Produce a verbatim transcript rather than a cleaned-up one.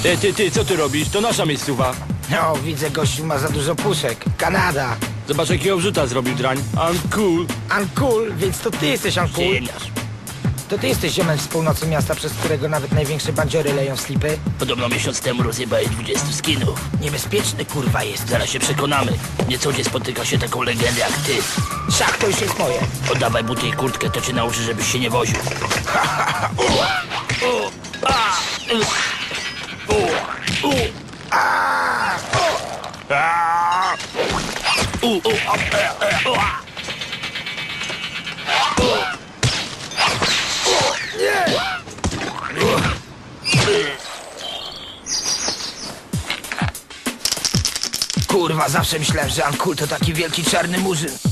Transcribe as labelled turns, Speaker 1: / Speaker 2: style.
Speaker 1: E, ty, ty, co ty robisz? To nasza miejscowa.
Speaker 2: No, widzę, gościu ma za dużo puszek. Kanada.
Speaker 1: Zobacz, jakiego wrzuta zrobił drań. I'm cool.
Speaker 2: Uncool, więc to ty jesteś uncool.
Speaker 3: Ziemniarz.
Speaker 2: To ty jesteś ziomem z północy miasta, przez którego nawet największe bandziory leją slipy.
Speaker 3: Podobno miesiąc temu rozjebałeś dwudziestu skinów.
Speaker 2: Niebezpieczny kurwa jest.
Speaker 3: Zaraz się przekonamy. Nie co gdzie spotyka się taką legendę jak ty.
Speaker 2: Szach to już jest moje.
Speaker 3: Oddawaj buty i kurtkę, to cię nauczy, żebyś się nie woził.
Speaker 2: Kurwa, zawsze myślałem, że uncool to taki wielki czarny murzyn.